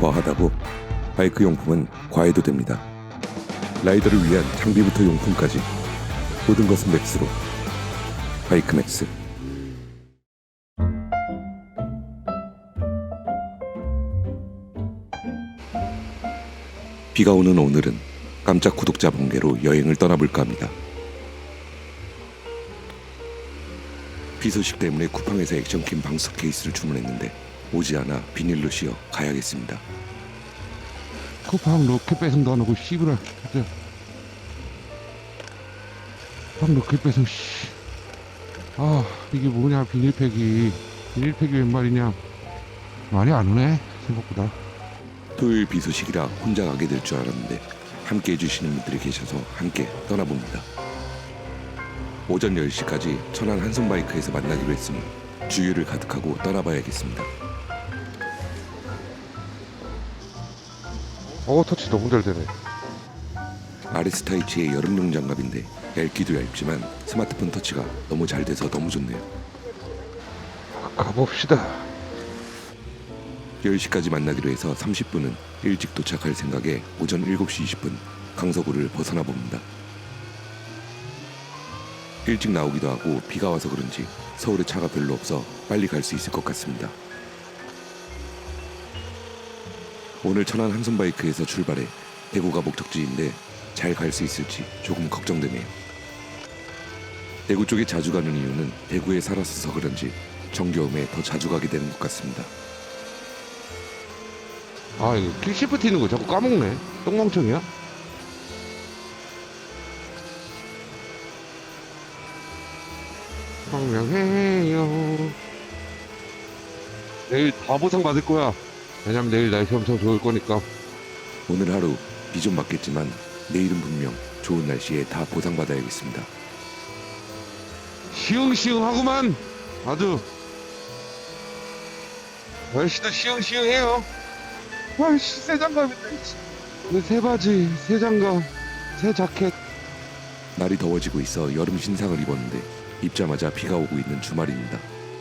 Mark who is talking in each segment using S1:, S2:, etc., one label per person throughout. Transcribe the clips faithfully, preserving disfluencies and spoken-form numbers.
S1: 뭐하다고 바이크 용품은 과해도 됩니다. 라이더를 위한 장비부터 용품까지 모든 것은 맥스로. 바이크 맥스. 비가 오는 오늘은 깜짝 구독자 번개로 여행을 떠나볼까 합니다. 비 소식 때문에 쿠팡에서 액션킴 방수 케이스를 주문했는데 오지 않아 비닐로 씌워 가야겠습니다.
S2: 쿠팡 로켓 배송도 안 오고 씨부라 진짜. 쿠팡 로켓 배송 씨. 아 이게 뭐냐, 비닐팩이 비닐팩이 웬 말이냐. 많이 안 오네 생각보다.
S1: 토요일 비 소식이라 혼자 가게 될 줄 알았는데 함께 해주시는 분들이 계셔서 함께 떠나봅니다. 오전 열 시까지 천안 한손바이크에서 만나기로 했으니 주유를 가득하고 떠나봐야겠습니다.
S2: 어 터치 너무 잘 되네.
S1: 아레스타이치의 여름용 장갑인데 얇기도 얇지만 스마트폰 터치가 너무 잘 돼서 너무 좋네요.
S2: 가봅시다.
S1: 열 시까지 만나기로 해서 삼십 분은 일찍 도착할 생각에 오전 일곱 시 이십 분 강서구를 벗어나 봅니다. 일찍 나오기도 하고 비가 와서 그런지 서울에 차가 별로 없어 빨리 갈 수 있을 것 같습니다. 오늘 천안 한손바이크에서 출발해 대구가 목적지인데 잘 갈 수 있을지 조금 걱정되네요. 대구 쪽에 자주 가는 이유는 대구에 살았어서 그런지 정겨움에 더 자주 가게 되는 것 같습니다.
S2: 아 이거 킬 시프트 있는 거 자꾸 까먹네. 똥멍청이야? 황명해요. 내일 다 보상 받을 거야. 왜냐면 내일 날씨 엄청 좋을 거니까.
S1: 오늘 하루 비 좀 맞겠지만 내일은 분명 좋은 날씨에 다 보상받아야겠습니다.
S2: 시흥시흥하구만. 아주 날씨도 시흥시흥해요. 아이씨 새 장갑인데. 새 바지, 새 장갑, 새 자켓.
S1: 날이 더워지고 있어 여름 신상을 입었는데 입자마자 비가 오고 있는 주말입니다.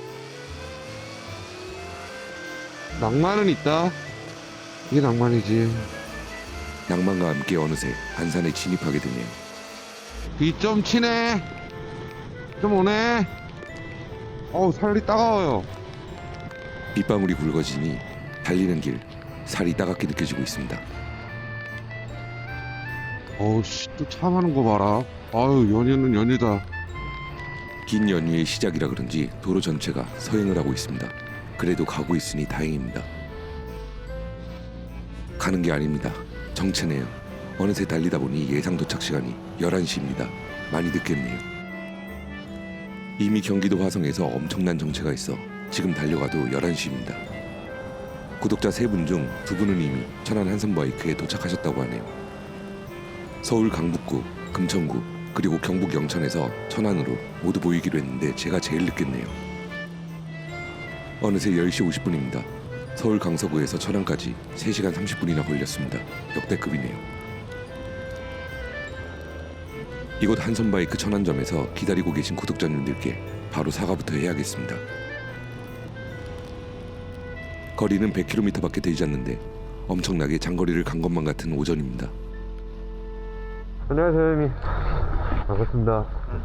S2: 낭만은 있다. 이게 낭만이지.
S1: 낭만과 함께 어느새 안산에 진입하게 되네요.
S2: 비 좀 치네. 좀 오네. 어우 살이 따가워요.
S1: 빗방울이 굵어지니 달리는 길 살이 따갑게 느껴지고 있습니다.
S2: 어우 씨 또 참하는 거 봐라. 아유 연휴는 연휴다.
S1: 긴 연휴의 시작이라 그런지 도로 전체가 서행을 하고 있습니다. 그래도 가고 있으니 다행입니다. 가는 게 아닙니다. 정체네요. 어느새 달리다 보니 예상 도착 시간이 열한 시입니다. 많이 늦겠네요. 이미 경기도 화성에서 엄청난 정체가 있어 지금 달려가도 열한 시입니다. 구독자 세 분 중 두 분은 이미 천안 한손바이크에 도착하셨다고 하네요. 서울 강북구, 금천구, 그리고 경북 영천에서 천안으로 모두 모이기로 했는데 제가 제일 늦겠네요. 어느새 열 시 오십 분입니다. 서울 강서구에서 천안까지 세 시간 삼십 분이나 걸렸습니다. 역대급이네요. 이곳 한손바이크 천안점에서 기다리고 계신 구독자님들께 바로 사과부터 해야겠습니다. 거리는 백 킬로미터밖에 되지 않는데 엄청나게 장거리를 간 것만 같은 오전입니다.
S2: 안녕하세요 형님. 반갑습니다.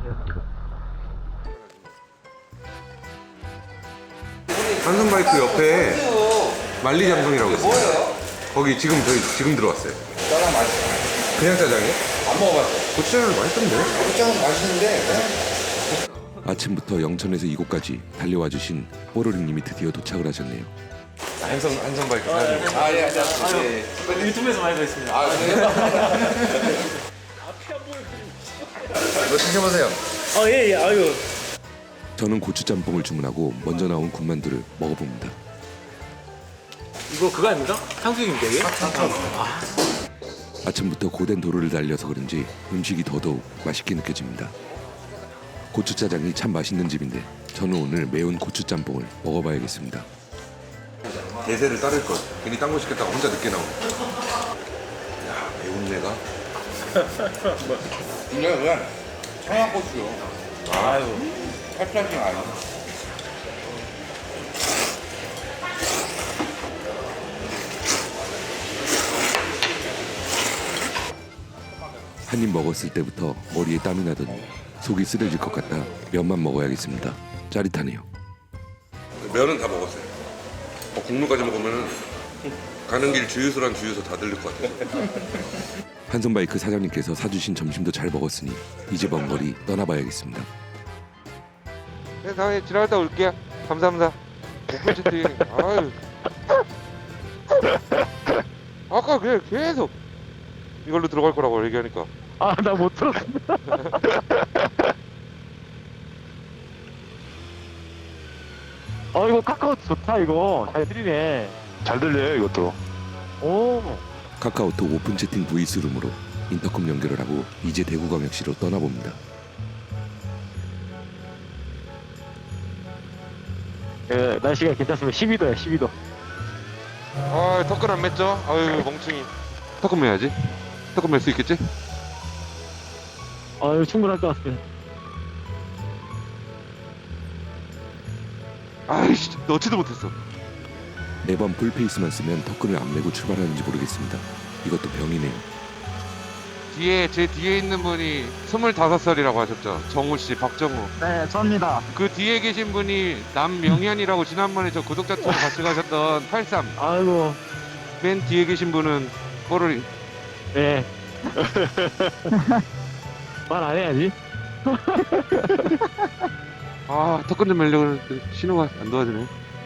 S2: 한손바이크 옆에 만리장성이라고 있어요.
S3: 뭐예요?
S2: 거기 지금 저희 지금 들어왔어요.
S3: 짜장 맛있어요.
S2: 그냥 짜장이요?
S3: 안 먹어봤어요.
S2: 고추장은 맛있던데?
S3: 짜장 맛있는데 그냥
S1: 아침부터 영천에서 이곳까지 달려와 주신 뽀로리님이 드디어 도착을 하셨네요.
S2: 한손 한손바이크 사장님.
S3: 아, 예, 안녕하세요. 예.
S4: 유튜브에서 많이 뵀습니다.
S3: 아, 그래요? 이거 드셔보세요.
S4: 아, 예, 예, 아유.
S1: 저는 고추짬뽕을 주문하고 먼저 나온 군만두를 먹어봅니다.
S4: 이거 그거 아닙니까? 탕수육입니까, 이게? 아,
S1: 아침부터 고된 도로를 달려서 그런지 음식이 더더욱 맛있게 느껴집니다. 고추짜장이 참 맛있는 집인데 저는 오늘 매운 고추짬뽕을 먹어봐야겠습니다.
S2: 대세를 따를 것. 괜히 딴 거 시켰다가 혼자 늦게 나오네. 야 매운 내가.
S3: 이거 그냥 청양고추요.
S4: 아유.
S3: 찹쌀이 아니야.
S1: 한 입 먹었을 때부터 머리에 땀이 나더니 속이 쓰려질 것 같다 면만 먹어야겠습니다. 짜릿하네요. 면은 다 먹었어요. 어, 국물까지 먹으면 가는 길 주유소란 주유소 다 들릴 것 같아요. 한손바이크 사장님께서 사주신 점심도 잘 먹었으니 이제 먼 거리 떠나봐야겠습니다.
S2: 네, 다음에 지나갔다 올게요. 감사합니다. 오픈 채팅. 아유. 아까 그냥 계속 이걸로 들어갈 거라고 얘기하니까.
S4: 아, 나 못 들었어. 어, 이거 카카오 좋다, 이거. 잘 들리네.
S5: 잘 들려요 이것도.
S4: 오.
S1: 카카오톡 오픈 채팅 브이스룸으로 인터컴 연결을 하고 이제 대구광역시로 떠나봅니다.
S4: 그, 날씨가 괜찮으면 십이 도야, 십이 도.
S2: 아, 턱근 안 맸죠? 아유, 멍충이. 턱근 매야지. 턱근 맬 수 있겠지?
S4: 아유, 충분할 것 같습니다.
S2: 아이씨, 넣지도 못했어.
S1: 매번 풀페이스만 쓰면 턱근을 안 메고 출발하는지 모르겠습니다. 이것도 병이네요.
S2: 뒤에, 제 뒤에 있는 분이 스물다섯 살이라고 하셨죠? 정우 씨, 박정우.
S6: 네, 저입니다.
S2: 그 뒤에 계신 분이 남명현이라고 지난번에 저 구독자 투어 같이 가셨던 팔십삼.
S4: 아이고,
S2: 맨 뒤에 계신 분은 뽀로리.
S4: 예. 말 안 해야지.
S2: 아, 턱근 좀 매려고 했는데 신호가 안 도와주네.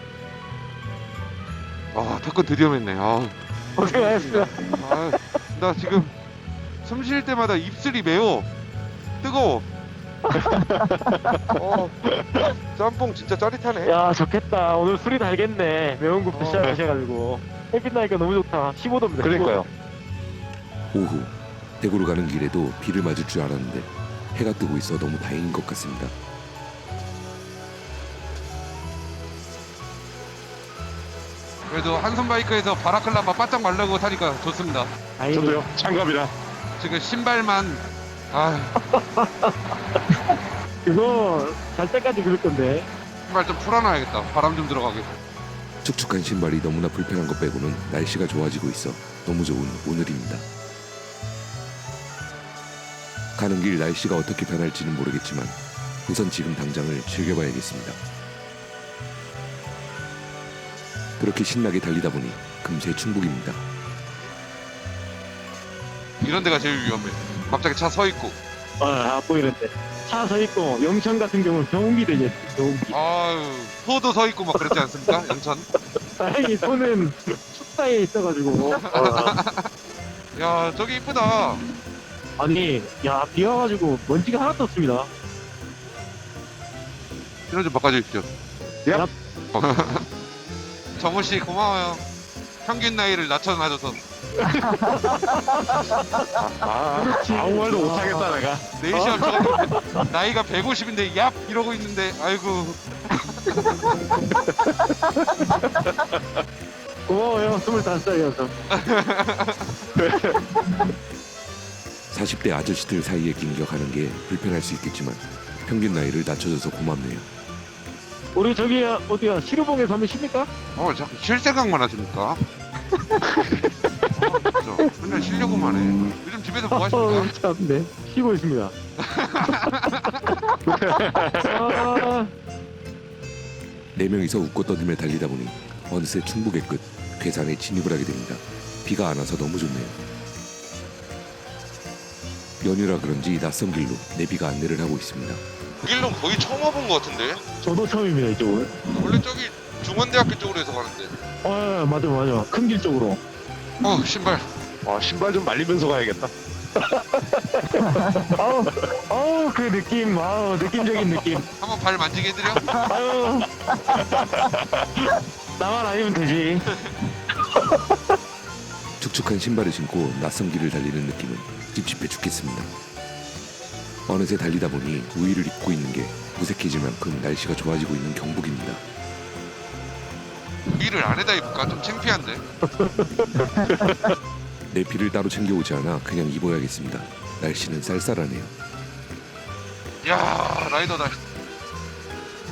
S2: 아, 턱근 드디어 맸네. 아,
S4: 고생하셨습니다.
S2: 아, 나 지금 숨 쉴 때마다 입술이 매워. 뜨거워. 어, 짬뽕 진짜 짜릿하네.
S4: 야, 좋겠다. 오늘 술이 달겠네. 매운 거
S2: 어.
S4: 드셔가지고. 햇빛 나니까 너무 좋다. 십오 도입니다.
S5: 그러니까요.
S1: 오후 대구로 가는 길에도 비를 맞을 줄 알았는데 해가 뜨고 있어 너무 다행인 것 같습니다.
S2: 그래도 한손 바이크에서 바라클라바 바짝 말라고 타니까 좋습니다.
S5: 저도요. 장갑이라.
S2: 지금 신발만 아,
S4: 그거 잘 때까지 그럴 건데.
S2: 신발 좀 풀어놔야겠다. 바람 좀 들어가게.
S1: 축축한 신발이 너무나 불편한 것 빼고는 날씨가 좋아지고 있어 너무 좋은 오늘입니다. 가는 길 날씨가 어떻게 변할지는 모르겠지만 우선 지금 당장을 즐겨봐야겠습니다. 그렇게 신나게 달리다 보니 금세 충북입니다.
S2: 이런 데가 제일 위험해. 갑자기 차 서 있고.
S4: 아, 안 보이는데. 차 서 있고, 영천 같은 경우는 경운기 되겠지, 경운기.
S2: 아유, 소도 서 있고 막 그랬지 않습니까? 영천.
S4: 다행히 손은 숲 사이에 있어가지고.
S2: 야, 저기 이쁘다.
S4: 아니, 야, 비 와가지고 먼지가 하나도 없습니다.
S2: 신호 좀 바꿔주십시오.
S4: 야.
S2: 정우 씨 고마워요. 평균 나이를 낮춰놔줘서.
S5: 아, 아무 말도 못하겠다 내가.
S2: 내일 시험 저거 나이가 백오십인데 얍 이러고 있는데 아이고.
S4: 고마워요, 스물다섯 살이어서.
S1: 사십 대 아저씨들 사이에 낑겨가는 게 불편할 수 있겠지만 평균 나이를 낮춰줘서 고맙네요.
S4: 우리 저기, 어디야, 시루봉에서 한번 쉽니까?
S2: 어, 자꾸 쉴 생각만 하십니까? 아, 진짜 맨날 쉬려고만 해. 요즘 집에서 뭐 하십니까?
S4: 어, 참, 네. 쉬고 있습니다. 아,
S1: 네 명이서 웃고 떠들며 달리다 보니 어느새 충북의 끝 괴산에 진입을 하게 됩니다. 비가 안 와서 너무 좋네요. 연휴라 그런지 낯선 길로 내비가 안내를 하고 있습니다.
S2: 그 길로 거의 처음 와본 것 같은데?
S4: 저도 처음입니다, 이쪽은.
S2: 원래 저기 중원대학교 쪽으로 해서 가는데.
S4: 아, 맞아, 맞아. 큰 길 쪽으로.
S2: 어, 신발.
S5: 와, 신발 좀 말리면서 가야겠다.
S4: 아우, 아우, 그 느낌, 아우, 느낌적인 느낌.
S2: 한번 발 만지게 해드려?
S4: 아유. 나만 아니면 되지.
S1: 축축한 신발을 신고 낯선 길을 달리는 느낌은 찝찝해 죽겠습니다. 어느새 달리다 보니 우위를 잇고 있는 게 무색해질 만큼 날씨가 좋아지고 있는 경북입니다.
S2: 위를 안에다 입을까? 좀 창피한데.
S1: 내피를 따로 챙겨오지 않아 그냥 입어야겠습니다. 날씨는 쌀쌀하네요.
S2: 야, 라이더다.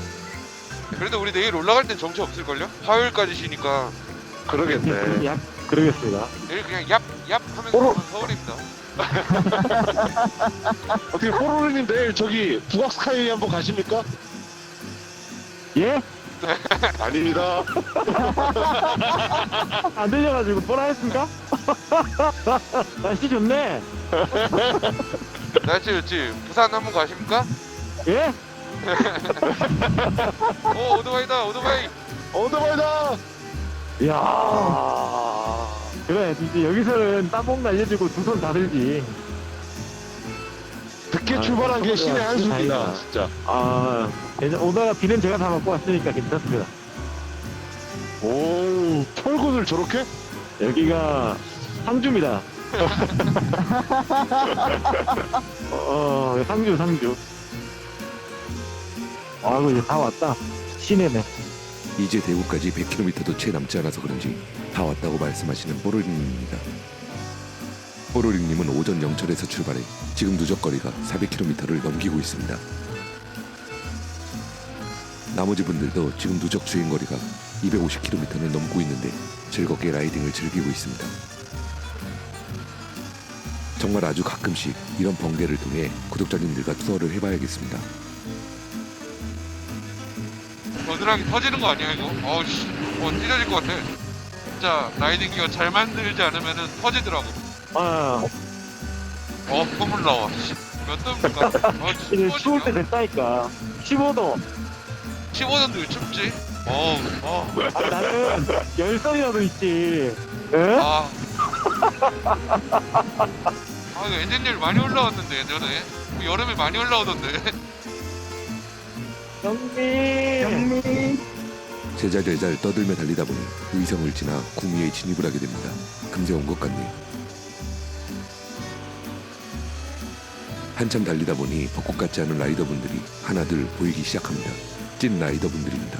S2: 그래도 우리 내일 올라갈 땐 정체 없을걸요? 화요일까지 쉬니까.
S5: 그러겠네.
S4: 약, 그러겠습니다.
S6: 내일 그냥 얍, 얍 하면서 가면 서울입니다.
S5: 어떻게 포로리님 내일 저기 북악 스카이 한번 가십니까?
S4: 예?
S5: 아닙니다.
S4: 안 들려가지고 뭐라 했습니까? 날씨 좋네.
S6: 날씨 좋지? 부산 한번 가십니까?
S4: 예?
S6: 오, 오토바이다, 오토바이.
S5: 오토바이다.
S4: 이야. 그래, 이제 여기서는 땀봉 날려주고 두 손 다 들지.
S5: 늦게
S4: 아,
S5: 출발한 게 신의
S4: 다행이다.
S5: 한수입니다. 진짜.
S4: 아, 괜찮- 오다가 비는 제가 다 먹고 왔으니까 괜찮습니다.
S5: 오, 철근을 저렇게?
S4: 여기가 상주입니다. 어, 어, 상주, 상주. 아이고, 이제 다 왔다. 시내네.
S1: 이제 대구까지 백 킬로미터도 채 남지 않아서 그런지 다 왔다고 말씀하시는 뽀로링님입니다. 뽀로링님은 오전 영철에서 출발해 지금 누적거리가 사백 킬로미터를 넘기고 있습니다. 나머지 분들도 지금 누적 주행거리가 이백오십 킬로미터를 넘고 있는데 즐겁게 라이딩을 즐기고 있습니다. 정말 아주 가끔씩 이런 번개를 통해 구독자님들과 투어를 해봐야겠습니다.
S6: 겨드랑이 터지는 거 아니야 이거? 어우씨, 어 찢어질 것 같아. 진짜 라이딩 기어 잘 만들지 않으면은 터지더라고.
S4: 아,
S6: 어, 콧물 나와. 씨, 몇 도입니까? 어,
S4: 이제 추울 때 됐다니까. 십오 도.
S6: 십오 도인데 왜 춥지? 어우, 어,
S4: 아, 나는 열선이라도 있지. 예?
S6: 아. 아, 이거 엔진율 많이 올라왔는데 예전에. 뭐 여름에 많이 올라오던데.
S4: 형님.
S1: 제잘제잘 떠들며 달리다 보니 의성을 지나 구미에 진입을 하게 됩니다. 금세 온 것 같네요. 한참 달리다 보니 벚꽃 같지 않은 라이더분들이 하나둘 보이기 시작합니다. 찐 라이더분들입니다.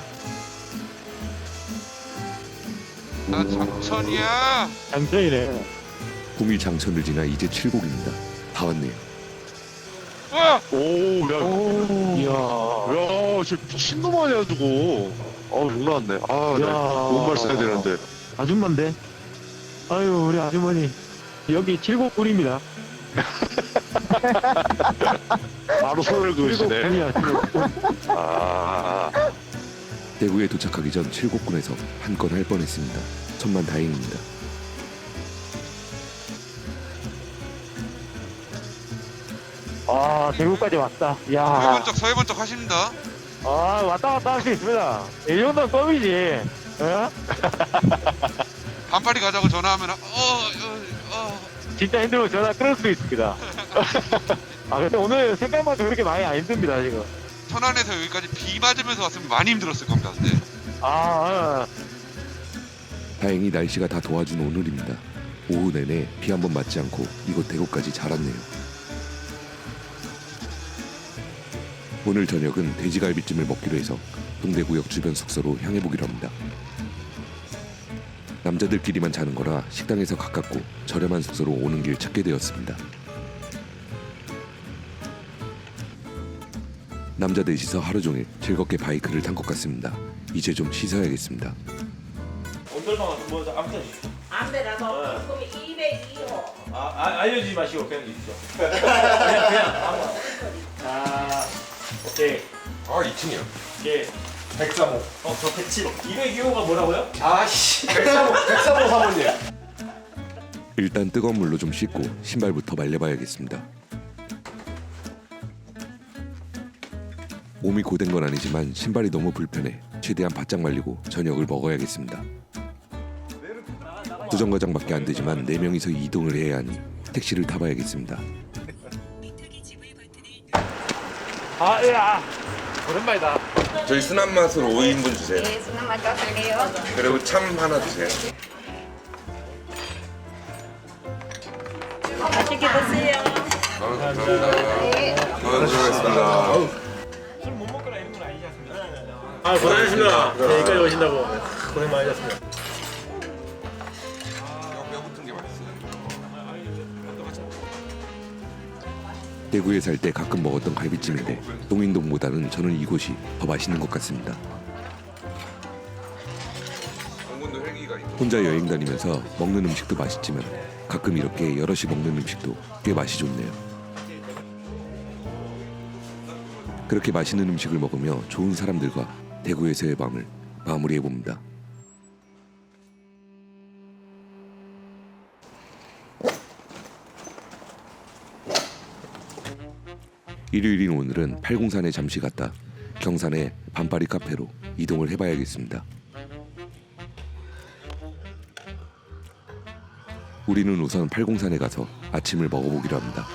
S6: 나 장천이야.
S4: 장전이네.
S1: 구미 장천을 지나 이제 칠곡입니다. 다 왔네요.
S6: 와,
S5: 오, 야,
S4: 오. 이야.
S5: 야, 저 미친놈 아니야, 저거. 어, 욕 나왔네. 아,
S4: 야.
S5: 네. 뭔말 써야 되는데.
S4: 아줌마인데? 아유, 우리 아주머니. 여기 칠곡군입니다.
S5: 바로 손을 그으시네.
S4: 칠곡군이야, 칠곡군.
S5: 아,
S1: 대구에 도착하기 전 칠곡군에서 한 건 할 뻔했습니다. 천만 다행입니다.
S4: 아, 대구까지 왔다. 이야.
S6: 서해번쩍 서해번쩍 하십니다.
S4: 아, 왔다 갔다 할 수 있습니다. 이 정도는 껌이지. 어?
S6: 반팔이 가자고 전화하면 어, 어, 어.
S4: 진짜 힘들면 전화 끊을 수 있습니다. 아, 근데 오늘 생각만큼 그렇게 많이 안 힘듭니다, 지금.
S6: 천안에서 여기까지 비 맞으면서 왔으면 많이 힘들었을 겁니다. 근데
S4: 아, 아.
S1: 다행히 날씨가 다 도와준 오늘입니다. 오후 내내 비 한 번 맞지 않고 이곳 대구까지 잘 왔네요. 오늘 저녁은 돼지갈비찜을 먹기로 해서 동대구역 주변 숙소로 향해보기로 합니다. 남자들끼리만 자는 거라 식당에서 가깝고 저렴한 숙소로 오는 길 찾게 되었습니다. 남자 넷이서 하루 종일 즐겁게 바이크를 탄 것 같습니다. 이제 좀 씻어야겠습니다.
S7: 온돌방은 뭐 아무튼
S8: 안배라서 그럼 이백이 호.
S7: 아, 아 알려주지 마시고 그냥 있죠. 그냥 그냥 아무. 아 오케이.
S3: 아 이 층이요.
S7: 예. 백삼 호. 어, 저 백칠 호. 이백이 호가 뭐라고요? 아씨. 백삼 호. 백삼 호 사모님.
S1: 일단 뜨거운 물로 좀 씻고 신발부터 말려봐야겠습니다. 몸이 고된 건 아니지만 신발이 너무 불편해 최대한 바짝 말리고 저녁을 먹어야겠습니다. 두 정거장밖에 안 되지만 네 명이서 이동을 해야 하니 택시를 타봐야겠습니다.
S7: 아, 야. 오랜만이다.
S3: 저희 순한 맛으로 오 인분 주세요.
S8: 네, 순한 맛 드릴게요.
S3: 그리고 참 하나 주세요.
S8: 맛있게 드세요.
S3: 아, 감사합니다. 수고하셨습니다.
S7: 술못 먹거나 이런 건 아니지 않습니까? 아, 고생하셨습니다. 네, 여기까지 오신다고. 고생 많으셨습니다.
S3: 뼈 붙은 게 맛있어요.
S1: 대구에 살 때 가끔 먹었던 갈비찜인데 동인동보다는 저는 이곳이 더 맛있는 것 같습니다.
S3: 당분도 헬기가 있고.
S1: 혼자 여행 다니면서 먹는 음식도 맛있지만 가끔 이렇게 여럿이 먹는 음식도 꽤 맛이 좋네요. 그렇게 맛있는 음식을 먹으며 좋은 사람들과 대구에서의 밤을 마무리해봅니다. 일요일인 오늘은 팔공산에 잠시 갔다 경산의 반파리 카페로 이동을 해봐야겠습니다. 우리는 우선 팔공산에 가서 아침을 먹어보기로 합니다.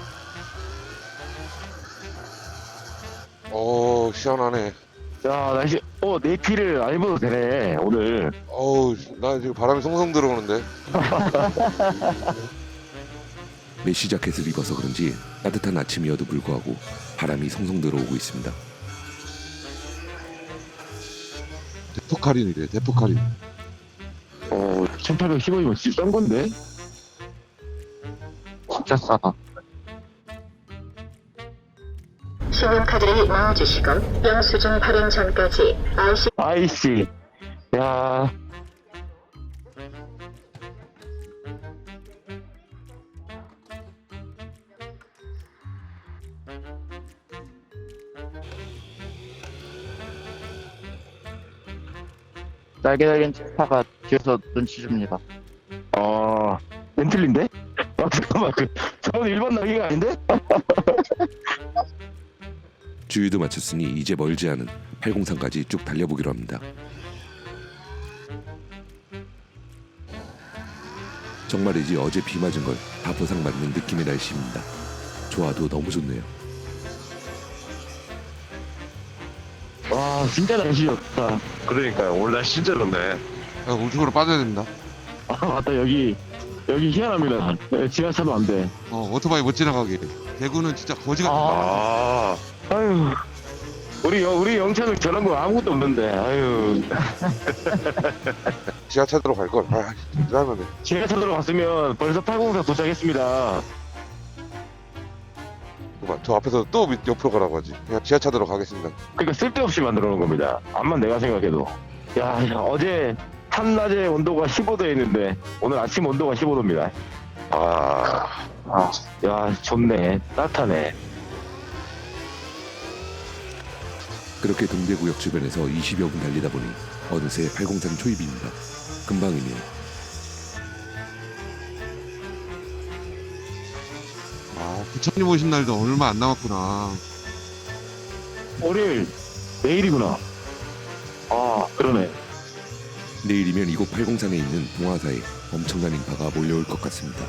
S5: 어 시원하네.
S4: 자, 날씨, 어, 네피를 안 입어도 되네, 오늘.
S5: 어우 나 지금 바람이 송송 들어오는데.
S1: 메쉬 자켓을 입어서 그런지 따뜻한 아침이어도 불구하고 바람이 송송 들어오고 있습니다.
S2: 대폭 할인이래, 대폭 할인.
S4: 어, 천팔백십 원이면 진짜 싼 건데? 진짜 싸다.
S9: 신용카드를 넣어주시고 영수증 발행 전까지 아이씨
S4: 아이씨. 야.
S10: 날개 달린 치파가 뒤에서 눈치 줍니다.
S4: 어, 벤틀리인데? 아, 잠깐만, 그, 저건 일반 날개가 아닌데?
S1: 주유도 마쳤으니 이제 멀지 않은 팔공산까지 쭉 달려보기로 합니다. 정말이지 어제 비 맞은 걸 다 보상받는 느낌의 날씨입니다. 좋아도 너무 좋네요.
S4: 와, 진짜 날씨 좋다.
S5: 그러니까요. 오늘 날씨 진짜 좋네.
S6: 야, 우측으로 빠져야 됩니다.
S4: 아, 맞다, 여기, 여기 희한합니다. 네, 지하차도 안 돼.
S6: 어, 오토바이 못 지나가게. 대구는 진짜 거지 같은 거.
S5: 아
S4: 아유, 우리, 영- 우리 영창은 저런 거 아무것도 없는데, 아유.
S5: 지하철로 갈 걸. 아 이러면
S4: 지하차도로 갔으면 벌써 팔공사 도착했습니다.
S5: 저 앞에서 또 밑- 옆으로 가라고 하지. 그냥 지하철로 가겠습니다.
S4: 그러니까 쓸데없이 만들어 놓은 겁니다. 암만 내가 생각해도. 야, 야, 어제 한낮에 온도가 십오 도였는데 오늘 아침 온도가 십오 도입니다.
S5: 아
S4: 아, 야, 좋네. 따뜻하네.
S1: 그렇게 동대구역 주변에서 이십여 분 달리다 보니 어느새 팔공산 초입입니다. 금방이네요.
S6: 아, 부처님 오신 날도 얼마 안 남았구나.
S4: 월요일, 내일이구나. 아, 그러네.
S1: 내일이면 이곳 팔공산에 있는 동화사에 엄청난 인파가 몰려올 것 같습니다.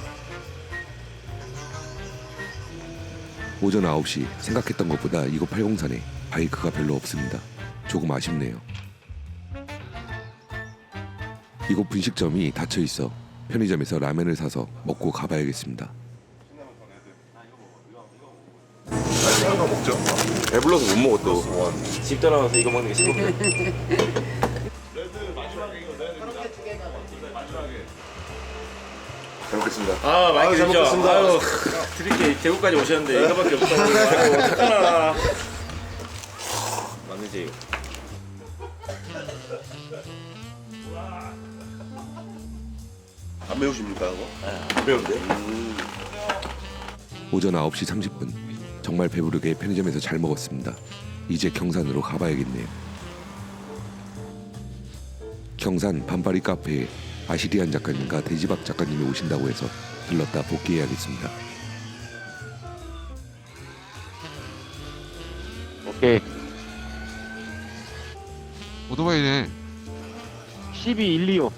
S1: 오전 아홉 시 생각했던 것보다 이곳 팔공산에 바이크가 별로 없습니다. 조금 아쉽네요. 이곳 분식점이 닫혀 있어 편의점에서 라면을 사서 먹고 가봐야겠습니다.
S3: 배불러서 못 먹어 또.
S7: 집 떠나와서 이거 먹는 게 싫은데.
S3: 잘 먹겠습니다.
S7: 아, 많이 드시죠? 아유, 드릴게 대구까지 오셨는데 이거밖에 없다고. 아유, 어떡하나. 맞는지 이거.
S3: 안 매우십니까 이거?
S7: 안 배운데?
S1: 오전 아홉 시 삼십 분 정말 배부르게 편의점에서 잘 먹었습니다. 이제 경산으로 가봐야겠네요. 경산 반파리 카페에 아시리안 작가님과 대지박 작가님이 오신다고 해서 들렀다 복귀해야겠습니다.
S4: 오케이.
S6: 오토바이네.
S4: 십이 일이오.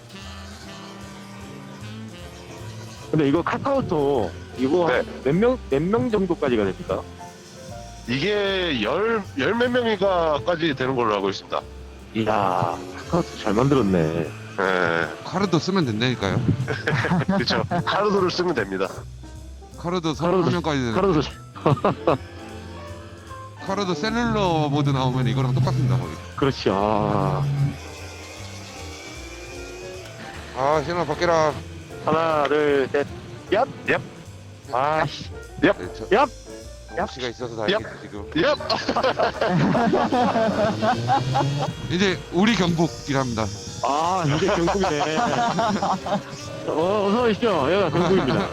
S4: 근데 이거 카카오톡 이거
S5: 네.
S4: 몇 명 몇 명 정도까지가 됩니까?
S5: 이게 열 열 몇 명이가까지 되는 걸로 알고 있습니다.
S4: 이야, 카카오톡 잘 만들었네.
S5: 예,
S6: 카르도 쓰면 된다니까요.
S5: 그렇죠. 카르도를 쓰면 됩니다.
S6: 카르도 서른 명까지 되는.
S4: 카카오톡
S6: 카르도 셀룰러 모드 나오면 이거랑 똑같습니다 거의.
S4: 그렇지. 아,
S5: 아 신호 바뀌라.
S4: 하나, 둘, 셋. 얍, 얍. 아씨.
S1: 네, 저,
S4: 얍!
S1: 씨가 있어서 다행이지 지금.
S5: 얍!
S2: 이제 우리 경북이랍니다.
S4: 아, 이게 경북이네. 어, 어서 오십시오. 여기가 경북입니다.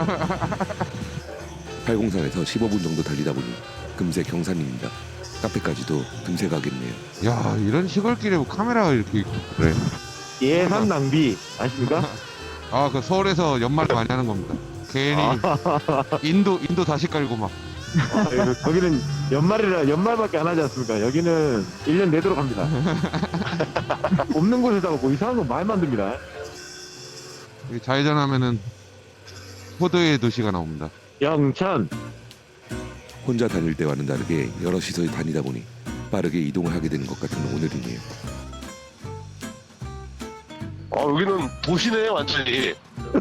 S1: 팔공산에서 십오 분 정도 달리다 보니 금세 경산입니다. 카페까지도 금세 가겠네요.
S2: 야, 이런 시골길에 뭐 카메라가 이렇게 있고 그래.
S4: 예산 낭비 아십니까?
S2: 아, 그 서울에서 연말 많이 하는 겁니다. 괜히 인도 인도 다시 깔고 막.
S4: 아, 여기- 거기는 연말이라 연말밖에 안 하지 않습니까? 여기는 일 년 내도록 합니다. 없는 곳에다가 뭐 이상한 거 많이 만듭니다.
S2: 여기 좌회전하면은 포도의 도시가 나옵니다.
S4: 영천.
S1: 혼자 다닐 때와는 다르게 여럿이서 다니다 보니 빠르게 이동을 하게 되는 것 같은 오늘이네요.
S5: 어, 여기는 도시네, 완전히.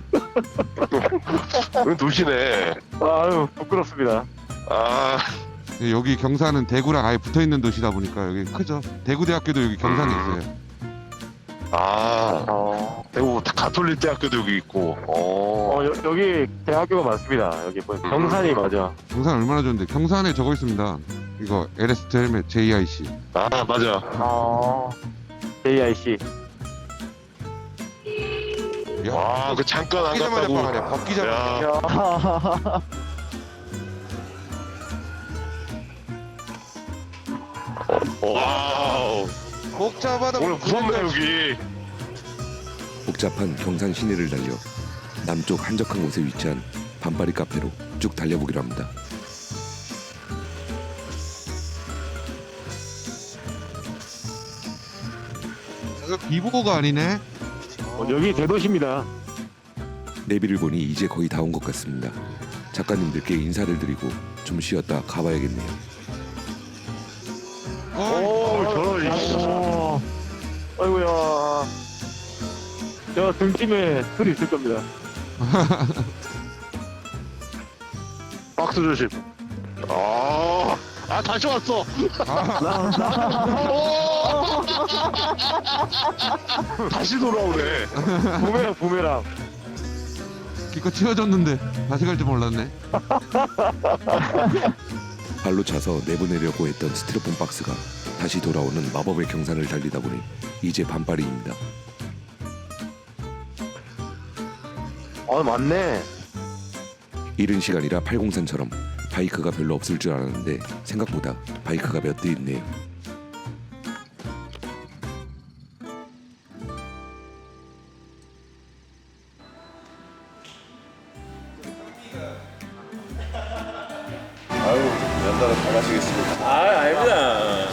S5: 여기 도시네.
S4: 아유 부끄럽습니다.
S5: 아,
S2: 여기 경산은 대구랑 아예 붙어 있는 도시다 보니까 여기 크죠. 대구대학교도 여기 경산에 있어요.
S5: 아,
S4: 어,
S5: 대구 가톨릭 대학교도 여기 있고. 어,
S4: 어 여, 여기 대학교가 많습니다. 여기 뭐 경산이 맞아.
S2: 경산 얼마나 좋은데 경산에 저거 있습니다. 이거 엘에스 헬멧 제이아이씨.
S5: 아, 맞아.
S4: 어, 제이아이씨.
S2: 야,
S5: 와, 그 잠깐 안
S2: 벗기자마자
S5: 갔다고.
S2: 빵하네. 벗기자마자.
S5: 야,
S4: 야.
S5: 와우.
S2: 복잡하다.
S5: 오늘 무섭네, 여기.
S1: 복잡한 경산 시내를 달려 남쪽 한적한 곳에 위치한 반파리 카페로 쭉 달려보기로 합니다.
S2: 이거 비보고가 아니네.
S4: 어, 여기 대도시입니다.
S1: 내비를 보니 이제 거의 다 온 것 같습니다. 작가님들께 인사를 드리고 좀 쉬었다 가봐야겠네요.
S2: 어,
S5: 오, 저런, 이씨.
S4: 어, 아이고야. 저 등짐에 술이 있을 겁니다.
S5: 박스 조심. 아, 아, 다시 왔어. 오! 다시 돌아오네.
S4: 부메랑 부메랑.
S2: 기껏 치워줬는데 다시 갈 줄 몰랐네.
S1: 발로 차서 내보내려고 했던 스티로폼 박스가 다시 돌아오는 마법의 경산을 달리다 보니 이제 반파리입니다.
S4: 어 맞네.
S1: 이른 시간이라 팔공산처럼 바이크가 별로 없을 줄 알았는데 생각보다 바이크가 몇 대 있네요.
S3: 아유, 연달아 잘 마시겠습니다.
S7: 아, 아닙니다.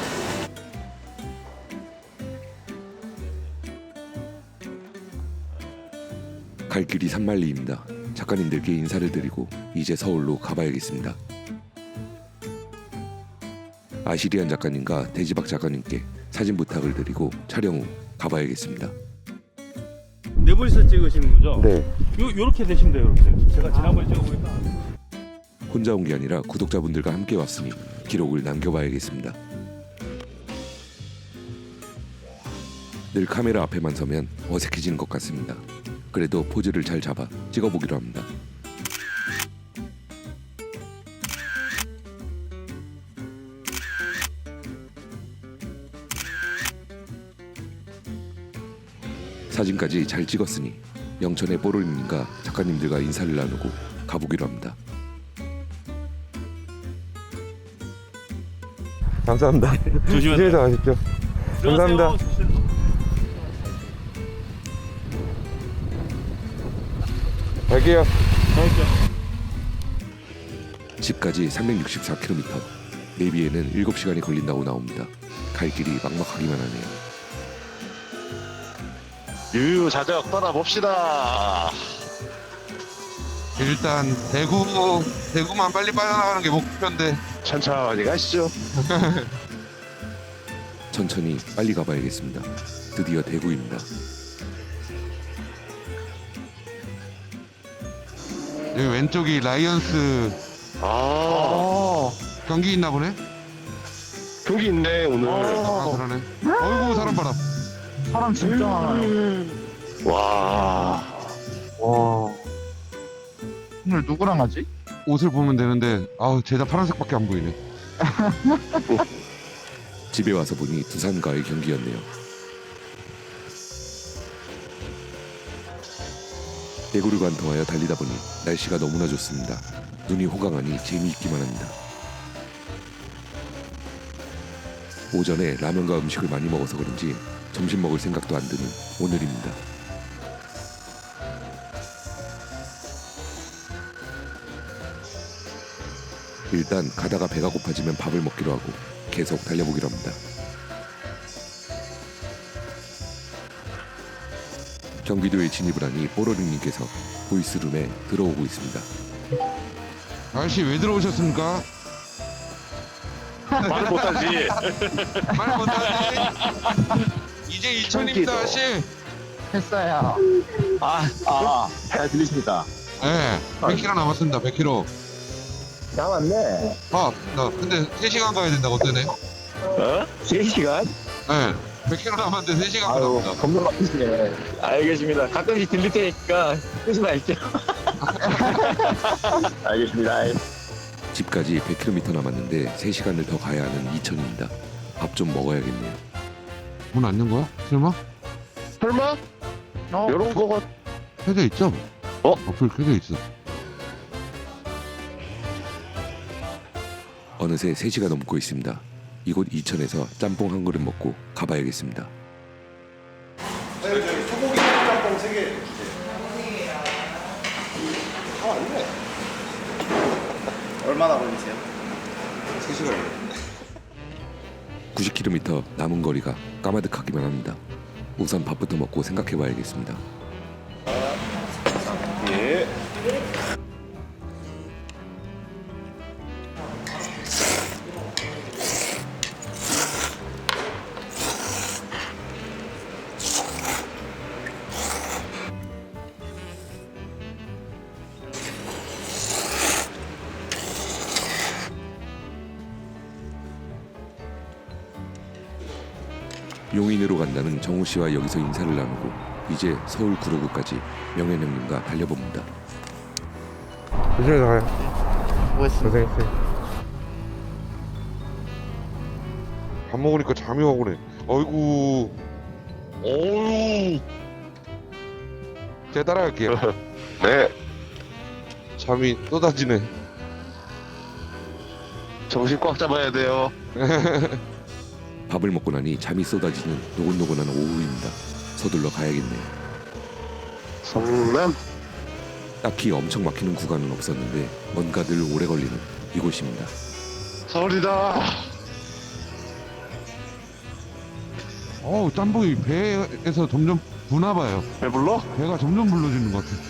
S1: 갈 길이 산만리입니다. 작가님들께 인사를 드리고 이제 서울로 가봐야겠습니다. 아시리안 작가님과 대지박 작가님께 사진 부탁을 드리고 촬영 후 가봐야겠습니다.
S7: 네 분이서 찍으시는 거죠?
S4: 네.
S7: 요 요렇게 되시면 돼요, 이렇게. 제가 지난번에 찍어보니까.
S1: 혼자 온 게 아니라 구독자분들과 함께 왔으니 기록을 남겨봐야겠습니다. 늘 카메라 앞에만 서면 어색해지는 것 같습니다. 그래도 포즈를 잘 잡아 찍어보기로 합니다. 사진까지 잘 찍었으니 영천의 뽀로님과 작가님들과 인사를 나누고 가보기로 합니다.
S2: 감사합니다. 조심해서 가십시오. 감사합니다. 갈게요.
S1: 집까지 삼백육십사 킬로미터, 내비에는 일곱 시간이 걸린다고 나옵니다. 갈 길이 막막하기만 하네요.
S5: 유유자적 떠나봅시다.
S2: 일단 대구 대구만 빨리 빠져나가는 게 목표인데.
S5: 천천히 가시죠.
S1: 천천히 빨리 가봐야겠습니다. 드디어 대구입니다.
S2: 여기 왼쪽이 라이언스
S5: 아,
S2: 경기 있나 보네.
S5: 경기 있네, 오늘.
S2: 아 그러네. 어이구 사람 봐라.
S10: 사람 진짜 많아요.
S5: 와.
S10: 와. 오늘 누구랑 하지?
S2: 옷을 보면 되는데 아우 제자 파란색밖에 안 보이네.
S1: 집에 와서 보니 두산과의 경기였네요. 대구를 관통하여 달리다 보니 날씨가 너무나 좋습니다. 눈이 호강하니 재미있기만 합니다. 오전에 라면과 음식을 많이 먹어서 그런지 점심 먹을 생각도 안 드는 오늘입니다. 일단 가다가 배가 고파지면 밥을 먹기로 하고 계속 달려보기로 합니다. 경기도에 진입을 하니 뽀로링님께서 보이스룸에 들어오고 있습니다.
S2: 아저씨 왜 들어오셨습니까?
S5: 말 못하지.
S6: 말 못하지. 이제 이천입니다 아저씨.
S10: 했어요. 아, 아, 잘 들리십니까?
S2: 네, 백 킬로미터 남았습니다. 백 킬로미터.
S10: 남았네.
S2: 아, 나 근데 세 시간 가야 된다고 뜨네.
S4: 어? 세 시간?
S2: 네, 백 킬로미터 남았는데 세 시간
S10: 아유,
S2: 가랍니다.
S10: 겁나 바쁘시네.
S4: 알겠습니다. 가끔씩 들릴 테니까 끄지 마십시오. 알겠습니다.
S1: 집까지 백 킬로미터 남았는데 세 시간을 더 가야 하는 이천입니다. 밥 좀 먹어야겠네요.
S2: 문 안 연 거야? 설마?
S5: 설마?
S10: 어,
S5: 이런 거가
S2: 켜져 있죠?
S5: 어?
S2: 어플 켜져 있어.
S1: 어느새 세 시가 넘고 있습니다. 이곳 이천에서 짬뽕 한 그릇 먹고 가봐야겠습니다.
S3: 소고기 짬뽕 세 개 주세요. 아, 아니네. 얼마나 걸리세요? 세 시간이요.
S1: 구십 킬로미터 남은 거리가 까마득하기만 합니다. 우선 밥부터 먹고 생각해봐야겠습니다.
S3: 예.
S1: 용인으로 간다는 정우 씨와 여기서 인사를 나누고 이제 서울 구로구까지 명현 형님과 달려봅니다.
S2: 조심히 가요. 고생했어요. 밥 먹으니까 잠이 와 그래. 어이구.
S5: 어우.
S2: 제가 따라갈게요.
S5: 네.
S2: 잠이 쏟아지네.
S5: 정신 꽉 잡아야 돼요.
S1: 밥을 먹고 나니 잠이 쏟아지는 노곤노곤한 오후입니다. 서둘러 가야겠네요.
S5: 성남.
S1: 딱히 엄청 막히는 구간은 없었는데 뭔가 늘 오래 걸리는 이곳입니다.
S5: 서울이다.
S2: 어우, 짬뽕이 배에서 점점 부나 봐요.
S5: 배불러?
S2: 배가 점점 불러지는 것 같아.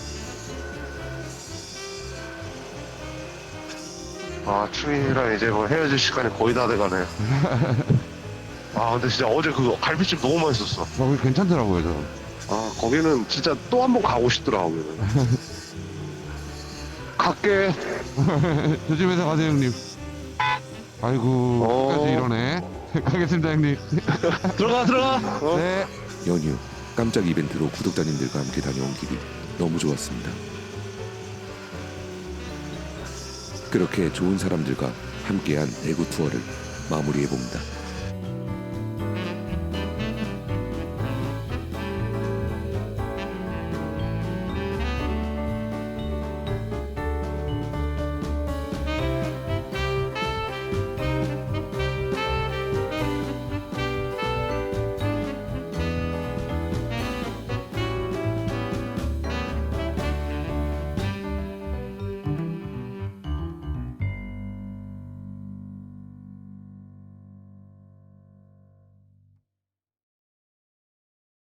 S5: 아, 충이랑 이제 뭐 헤어질 시간이 거의 다 돼가네. 아, 근데 진짜 어제 그 갈비찜 너무 맛있었어.
S2: 아, 그게 괜찮더라고요, 저.
S5: 아, 거기는 진짜 또 한 번 가고 싶더라, 거기는. 갈게.
S2: 조심해서 가세요, 형님. 아이고,
S5: 어.
S2: 끝까지 이러네. 가겠습니다, 형님.
S5: 들어가, 들어가. 어?
S2: 네.
S1: 연휴 깜짝 이벤트로 구독자님들과 함께 다녀온 길이 너무 좋았습니다. 그렇게 좋은 사람들과 함께한 대구 투어를 마무리해봅니다.